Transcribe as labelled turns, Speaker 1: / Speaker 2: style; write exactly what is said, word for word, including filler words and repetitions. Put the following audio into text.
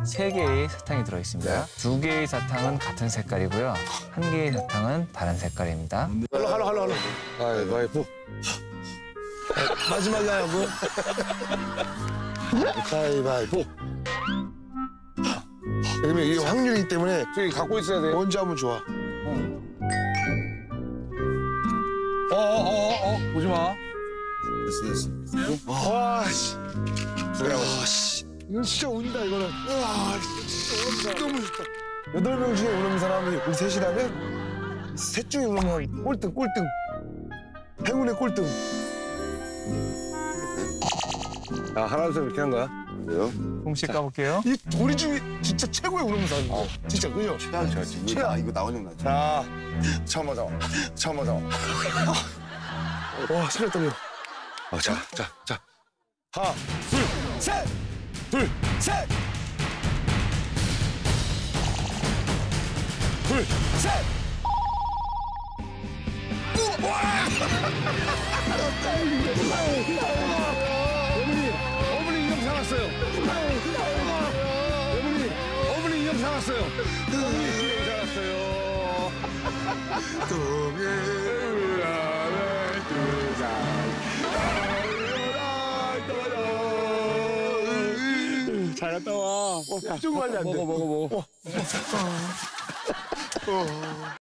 Speaker 1: 세 개의 사탕이 들어있습니다.
Speaker 2: 네.
Speaker 1: 두 개의 사탕은 같은 색깔이고요. 한 개의 사탕은 다른 색깔입니다.
Speaker 2: 할로 할로 할로 할로. 가위바위보. 마지막에 하고. 가위바위보. 왜냐면 이게 확률이기 때문에
Speaker 3: 저기 갖고 있어야 돼.
Speaker 2: 먼저 하면 좋아.
Speaker 3: 어어어어 어, 보지 마.
Speaker 2: 됐어 됐어. 와 씨. 와 씨. 이건 진짜 운다 이거는. 와 진짜 너무 좋다. 여덟 명 중에 오는 사람이 우리 셋이라면 셋 중에 오면 꼴등 꼴등. 행운의 꼴등.
Speaker 3: 아 하나 둘 이렇게 한 거야?
Speaker 2: 그래요?
Speaker 1: 공식 까볼게요.
Speaker 2: 이 우리 중에 진짜 최고의 우는 사람이에요. 어. 진짜 그죠?
Speaker 4: 최악 최악. 최악 이거 나오는 거.
Speaker 2: 자,
Speaker 4: 처음 하자. 처음 하자.
Speaker 2: 와 심장 떨려.
Speaker 4: 어, 자, 자, 자.
Speaker 2: 하나, 둘, 셋, 둘, 셋, 둘, 셋.
Speaker 3: 어머니, 어머니 인형 사왔어요. 어머니, 어머니 인형 사왔어요. 어머니 인형 사왔어요. 잘 갔다 와.
Speaker 2: 좀 관리 안 돼.
Speaker 3: 먹어, 먹어, 먹어.